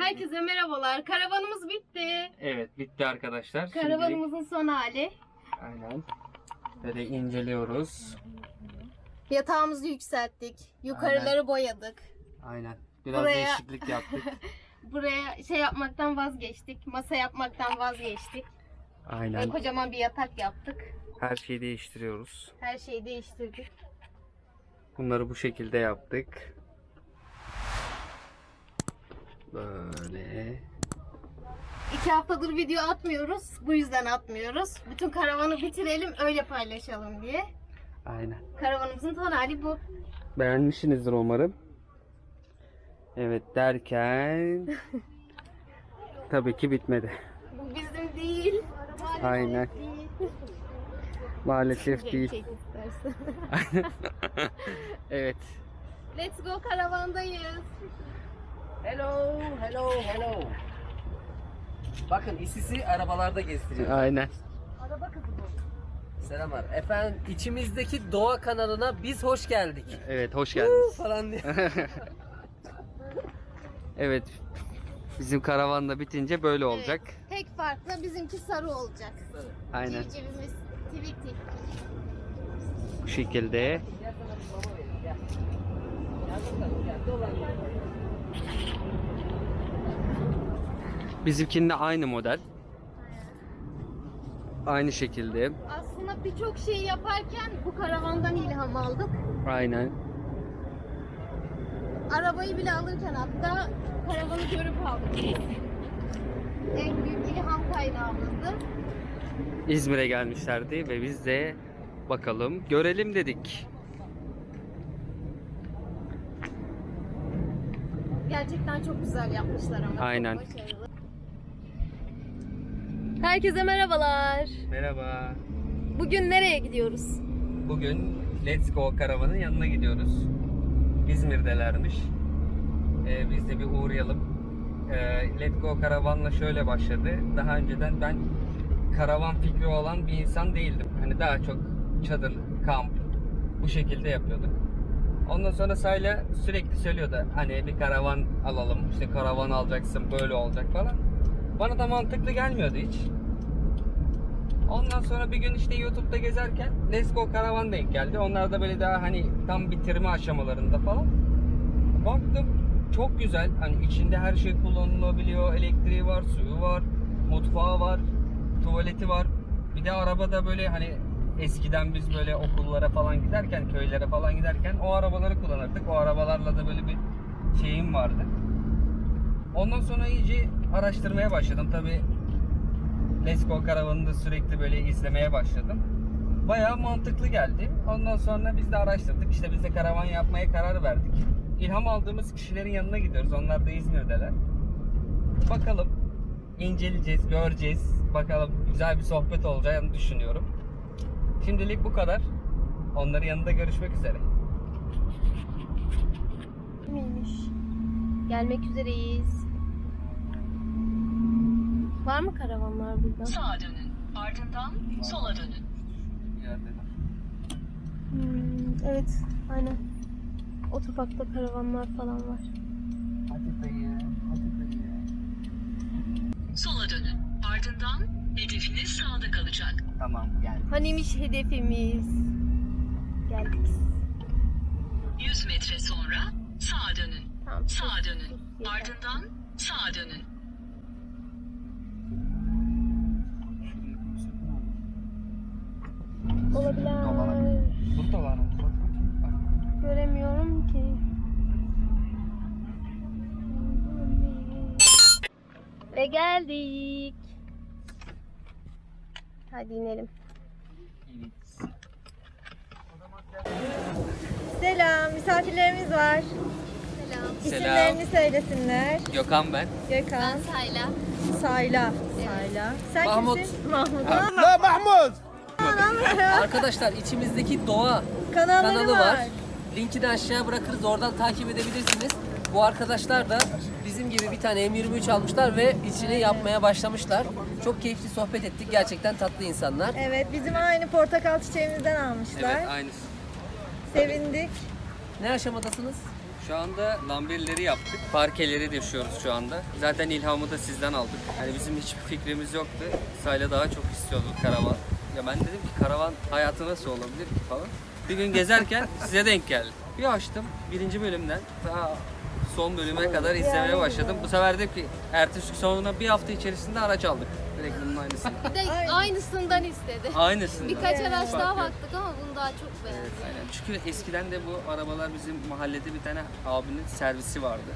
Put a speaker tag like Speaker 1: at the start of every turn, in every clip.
Speaker 1: Herkese merhabalar. Karavanımız bitti.
Speaker 2: Evet, bitti arkadaşlar.
Speaker 1: Karavanımızın son hali.
Speaker 2: Aynen. Böyle inceliyoruz.
Speaker 1: Yatağımızı yükselttik. Yukarıları boyadık.
Speaker 2: Aynen. Biraz
Speaker 1: Buraya-
Speaker 2: değişiklik yaptık.
Speaker 1: Buraya şey yapmaktan vazgeçtik. Masa yapmaktan vazgeçtik. Ve
Speaker 2: Aynen.
Speaker 1: kocaman bir yatak yaptık.
Speaker 2: Her şeyi değiştiriyoruz.
Speaker 1: Her şeyi değiştirdik.
Speaker 2: Bunları bu şekilde yaptık. Böyle.
Speaker 1: 2 haftadır video atmıyoruz. Bu yüzden atmıyoruz. Bütün karavanı bitirelim öyle paylaşalım diye.
Speaker 2: Aynen.
Speaker 1: Karavanımızın son hali bu.
Speaker 2: Beğenmişsinizdir umarım. Evet derken tabii ki bitmedi.
Speaker 1: Bu bizim değil.
Speaker 2: Aynen. Maalesef değil.
Speaker 1: Çek istersen.
Speaker 2: Evet.
Speaker 1: Let's go karavandayız.
Speaker 3: Hello, hello, hello. Bakın isisi arabalarda gezdiriyor.
Speaker 2: Aynen.
Speaker 1: Araba kızı bu.
Speaker 3: Selamlar. Efendim içimizdeki doğa kanalına biz hoş geldik.
Speaker 2: Evet, hoş geldiniz.
Speaker 3: Falan diye.
Speaker 2: Evet. Bizim karavan da bitince böyle olacak.
Speaker 1: Evet, tek farkla bizimki sarı olacak.
Speaker 2: Aynen.
Speaker 1: Civcivimiz Tweety.
Speaker 2: Bu şekilde.
Speaker 3: Gel sana bir mama vereyim, gel. Gel bakalım, gel. Dolan gel.
Speaker 2: Bizimkinin de aynı model. Aynı şekilde.
Speaker 1: Aslında birçok şeyi yaparken bu karavandan ilham aldık.
Speaker 2: Aynen.
Speaker 1: Arabayı bile alırken hatta karavanı görüp aldık. En büyük ilham kaynağımızdı.
Speaker 2: İzmir'e gelmişlerdi ve biz de bakalım görelim dedik.
Speaker 1: Gerçekten çok güzel yapmışlar ama.
Speaker 2: Aynen.
Speaker 1: Çok başarılı. Herkese merhabalar.
Speaker 2: Merhaba.
Speaker 1: Bugün nereye gidiyoruz?
Speaker 2: Bugün Let's Go karavanın yanına gidiyoruz. İzmir'delermiş. Biz de bir uğrayalım. Let's Go karavanla şöyle başladı. Daha önceden ben karavan fikri olan bir insan değildim. Hani daha çok çadır, kamp bu şekilde yapıyorduk. Ondan sonra Sayla sürekli söylüyordu. Hani bir karavan alalım, işte karavan alacaksın, böyle olacak falan. Bana da mantıklı gelmiyordu hiç. Ondan sonra bir gün işte YouTube'da gezerken Let's Go karavan denk geldi. Onlar da böyle daha hani tam bitirme aşamalarında falan. Baktım çok güzel. Hani içinde her şey kullanılabiliyor. Elektriği var, suyu var, mutfağı var, tuvaleti var. Bir de arabada böyle hani eskiden biz böyle okullara falan giderken, köylere falan giderken o arabaları kullanırdık. O arabalarla da böyle bir şeyim vardı. Ondan sonra iyice araştırmaya başladım. Tabii Let's Go karavanını da sürekli böyle izlemeye başladım. Bayağı mantıklı geldi. Ondan sonra biz de araştırdık. İşte biz de karavan yapmaya karar verdik. İlham aldığımız kişilerin yanına gidiyoruz. Onlar da İzmir'deler. Bakalım inceleyeceğiz, göreceğiz. Bakalım güzel bir sohbet olacağını düşünüyorum. Şimdilik bu kadar. Onların yanında görüşmek üzere.
Speaker 1: Miymiş? Gelmek üzereyiz. Var mı karavanlar burada?
Speaker 4: Sağa dönün. Ardından sola dönün.
Speaker 1: Evet, aynen. Otoparkta karavanlar falan var.
Speaker 2: Hadi dayı, hadi dayı.
Speaker 4: Sola dönün. Ardından hedefiniz sağda kalacak.
Speaker 2: Tamam gel.
Speaker 1: Hanimiş hedefimiz? Geldik.
Speaker 4: 100 metre sonra sağa dönün.
Speaker 1: Tamam.
Speaker 4: Sağa dönün.
Speaker 1: Yeter.
Speaker 4: Ardından sağa dönün.
Speaker 1: Olabilir.
Speaker 2: Burada var mı?
Speaker 1: Göremiyorum ki. Ve geldik. Hadi inelim.
Speaker 5: Selam, misafirlerimiz var.
Speaker 1: Selam.
Speaker 5: İsimlerini söylesinler.
Speaker 2: Gökhan ben.
Speaker 5: Gökhan,
Speaker 1: Sayla.
Speaker 5: Sayla. Sayla. Sen
Speaker 3: Mahmut.
Speaker 5: kimsin? Mahmut.
Speaker 3: Arkadaşlar içimizdeki doğa
Speaker 5: Kanalları
Speaker 3: kanalı
Speaker 5: var.
Speaker 3: var. Linki de aşağıya bırakırız. Oradan takip edebilirsiniz. Bu arkadaşlar da bizim gibi bir tane M23 almışlar ve içini yapmaya başlamışlar. Çok keyifli sohbet ettik. Gerçekten tatlı insanlar.
Speaker 5: Evet, bizim aynı portakal çiçeğimizden almışlar.
Speaker 2: Evet aynısı.
Speaker 5: Sevindik.
Speaker 3: Ne aşamadasınız?
Speaker 2: Şu anda lamberleri yaptık. Parkeleri döşüyoruz şu anda. Zaten ilhamı da sizden aldık. Yani bizim hiçbir fikrimiz yoktu. Sayla daha çok istiyordu karavan. Ya ben dedim ki karavan hayatı nasıl olabilir ki falan. Bir gün gezerken size denk geldi. Bir açtım birinci bölümden daha son bölüme kadar izlemeye başladım. Bu sefer de ki ertesi sonra bir hafta içerisinde araç aldık. Direkt bunun aynısını.
Speaker 1: Bir de aynısından istedi.
Speaker 2: Aynısını.
Speaker 1: Birkaç araç daha
Speaker 2: Fark yok.
Speaker 1: baktık ama bunu daha çok beğendik.
Speaker 2: Aynen. Çünkü eskiden de bu arabalar bizim mahallede bir tane abinin servisi vardı.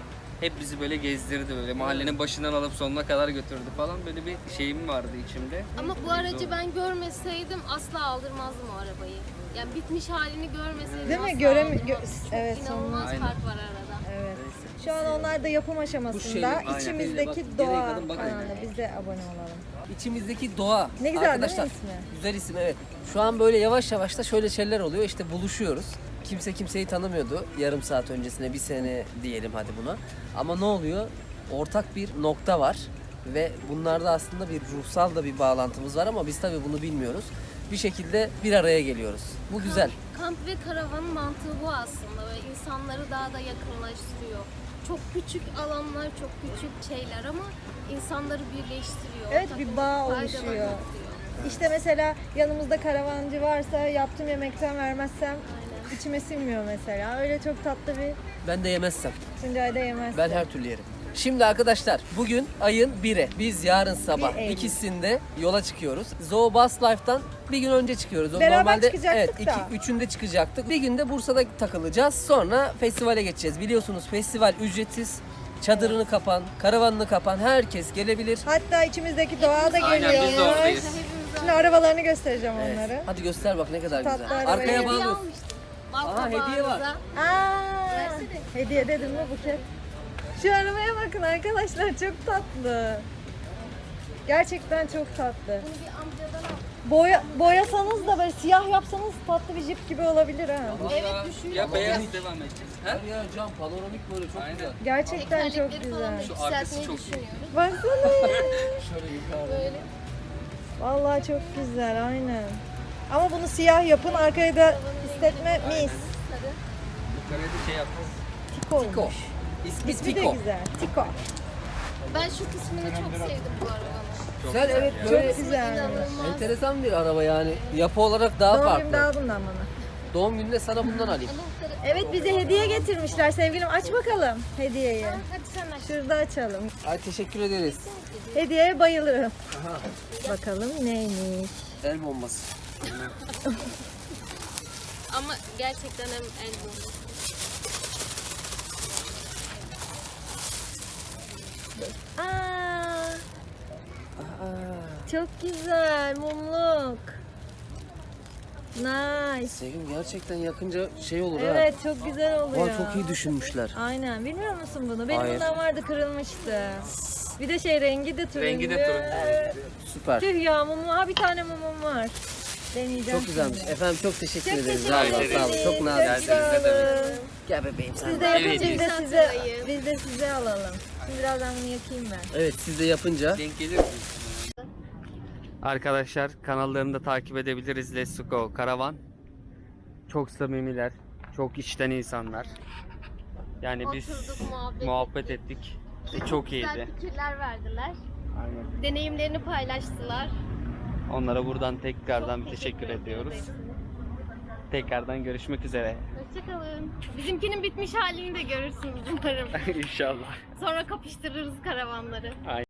Speaker 2: Hep bizi böyle gezdirdi böyle mahallenin başından alıp sonuna kadar götürdü falan böyle bir şeyim vardı içimde.
Speaker 1: Ama bu aracı ben görmeseydim asla aldırmazdım o arabayı. Yani bitmiş halini görmeseydim
Speaker 5: Değil mi?
Speaker 1: asla aldırmazdım.
Speaker 5: Evet,
Speaker 1: İnanılmaz
Speaker 2: Aynen.
Speaker 1: fark var arada.
Speaker 5: Evet. Şu an onlar da yapım aşamasında.
Speaker 2: aynen.
Speaker 5: İçimizdeki
Speaker 3: Bak,
Speaker 5: doğa
Speaker 3: geriye kadın bak.
Speaker 5: kanalına biz de abone olalım.
Speaker 3: İçimizdeki doğa.
Speaker 5: Ne güzel
Speaker 3: Arkadaşlar,
Speaker 5: değil mi ismi?
Speaker 3: güzel isim evet. Şu an böyle yavaş yavaş da şöyle şeyler oluyor. İşte buluşuyoruz. Kimse kimseyi tanımıyordu yarım saat öncesine, bir sene diyelim hadi buna. Ama ne oluyor? Ortak bir nokta var ve bunlarda aslında bir ruhsal da bir bağlantımız var ama biz tabii bunu bilmiyoruz. Bir şekilde bir araya geliyoruz. Bu güzel.
Speaker 1: Kamp ve karavanın mantığı bu aslında. Böyle insanları daha da yakınlaştırıyor. Çok küçük alanlar, çok küçük şeyler ama insanları birleştiriyor.
Speaker 5: Evet,
Speaker 1: Ortak
Speaker 5: bir bağ
Speaker 1: faydalar
Speaker 5: oluşuyor.
Speaker 1: yaratıyor.
Speaker 5: İşte mesela yanımızda karavancı varsa yaptığım yemekten vermezsem içime sinmiyor mesela. Öyle çok tatlı bir
Speaker 3: Ben de yemezsem.
Speaker 5: Tuncay'da yemezsin.
Speaker 3: Ben her türlü yerim. Şimdi arkadaşlar bugün ayın 1'i. Biz yarın sabah
Speaker 5: 1 Eylül.
Speaker 3: ikisinde yola çıkıyoruz. Zoo Bus Life'tan bir gün önce çıkıyoruz. O
Speaker 5: Beraber çıkacaktık
Speaker 3: evet,
Speaker 5: da.
Speaker 3: üçünde çıkacaktık. Bir günde Bursa'da takılacağız. Sonra festivale geçeceğiz. Biliyorsunuz festival ücretsiz. Çadırını kapan, karavanını kapan herkes gelebilir.
Speaker 5: Hatta içimizdeki doğa da
Speaker 2: Aynen,
Speaker 5: geliyor.
Speaker 2: biz de oradayız.
Speaker 5: Şimdi arabalarını göstereceğim
Speaker 3: Evet.
Speaker 5: onları.
Speaker 3: Hadi göster bak ne kadar
Speaker 5: Tatlı
Speaker 3: güzel.
Speaker 5: araba.
Speaker 3: Arkaya
Speaker 5: Hediye
Speaker 3: bağlıyoruz.
Speaker 1: almıştım. Bal
Speaker 3: Aa, hediye var.
Speaker 1: kabağınıza.
Speaker 5: Aa, hediye dedim mi buket? Şu arabaya bakın arkadaşlar, çok tatlı. Gerçekten çok tatlı.
Speaker 1: Bunu bir amcadan al.
Speaker 5: Boyasanız da böyle siyah yapsanız tatlı bir jip gibi olabilir ha.
Speaker 1: Evet, düşüyor.
Speaker 2: Ya beyaz devam edeceğiz. Ha?
Speaker 3: Her yer cam, panoramik böyle çok
Speaker 2: Aynen.
Speaker 3: güzel.
Speaker 5: Gerçekten çok
Speaker 1: Tekerlekleri falan da
Speaker 5: güzel.
Speaker 2: Şu arkası
Speaker 1: yükseltmeyi
Speaker 2: çok iyi.
Speaker 1: düşünüyoruz.
Speaker 5: Baksana.
Speaker 3: Şöyle yukarı.
Speaker 1: Böyle.
Speaker 5: Vallahi çok güzel, aynen. Ama bunu siyah yapın, arkaya da istetme mis.
Speaker 1: Sarı.
Speaker 2: Yukarıya da şey yapacağız.
Speaker 5: Tiko
Speaker 3: Tiko.
Speaker 5: olmuş.
Speaker 3: İsmi
Speaker 5: İsmi de
Speaker 3: Tiko.
Speaker 5: güzel. Tiko.
Speaker 1: Ben şu kısmını çok sevdim bu arabanın.
Speaker 3: Güzel evet
Speaker 5: Çok
Speaker 3: böyle
Speaker 5: güzel.
Speaker 1: İnanılmaz.
Speaker 3: enteresan bir araba yani. Yapı olarak daha
Speaker 5: Doğum
Speaker 3: farklı.
Speaker 5: günümde al bundan bana.
Speaker 3: Doğum gününde sana bundan alayım.
Speaker 1: Anahtarı.
Speaker 5: Evet, bize hediye getirmişler sevgilim. Aç bakalım hediyeyi.
Speaker 1: Hadi sen aç.
Speaker 5: Şurada açalım.
Speaker 3: Ay teşekkür ederiz.
Speaker 5: Hediyeye bayılırım. Bakalım neymiş.
Speaker 3: El bombası.
Speaker 1: Ama gerçekten hem el bombası.
Speaker 5: Aa, çok güzel mumluk. Nice.
Speaker 3: Sevim gerçekten yakınca şey olur ha.
Speaker 5: Evet, çok güzel oluyor.
Speaker 3: Vay çok iyi düşünmüşler.
Speaker 5: Aynen. Bilmiyor musun bunu? Benim
Speaker 3: Hayır.
Speaker 5: bundan vardı, kırılmıştı. Bir de şey, rengi de turuncu.
Speaker 2: Rengi de turuncu.
Speaker 3: Süper.
Speaker 5: Tüh ya, mumum. Ha, bir tane mumum var. Deneyeceğim.
Speaker 3: Çok güzelmiş.
Speaker 5: şimdi.
Speaker 3: Efendim çok teşekkür
Speaker 5: Çok
Speaker 3: ederiz.
Speaker 5: teşekkür
Speaker 3: Vallahi
Speaker 5: ederim.
Speaker 3: sağ olun. Çok nazik.
Speaker 5: Çok sağ olun.
Speaker 3: Gel bebeğim sen.
Speaker 5: Siz
Speaker 3: de.
Speaker 5: de yapınca
Speaker 2: Evet.
Speaker 5: biz de
Speaker 1: Sen
Speaker 5: size,
Speaker 1: sırayı.
Speaker 5: biz de size alalım. Şimdi birazdan bunu yakayım ben.
Speaker 3: Evet siz de yapınca.
Speaker 2: Denk gelir mi? Arkadaşlar kanallarını da takip edebiliriz. Let's Go Karavan. Çok samimiler. Çok içten insanlar. Yani biz
Speaker 1: Oturduk,
Speaker 2: muhabbet ettik. Çok iyiydi.
Speaker 1: Güzel fikirler verdiler.
Speaker 2: Aynen.
Speaker 1: Deneyimlerini paylaştılar.
Speaker 2: Onlara buradan tekrardan
Speaker 1: Çok
Speaker 2: bir teşekkür ediyoruz.
Speaker 1: ederiz.
Speaker 2: Tekrardan görüşmek üzere.
Speaker 1: Hoşçakalın. Bizimkinin bitmiş halini de görürsünüz umarım.
Speaker 2: İnşallah.
Speaker 1: Sonra kapıştırırız karavanları.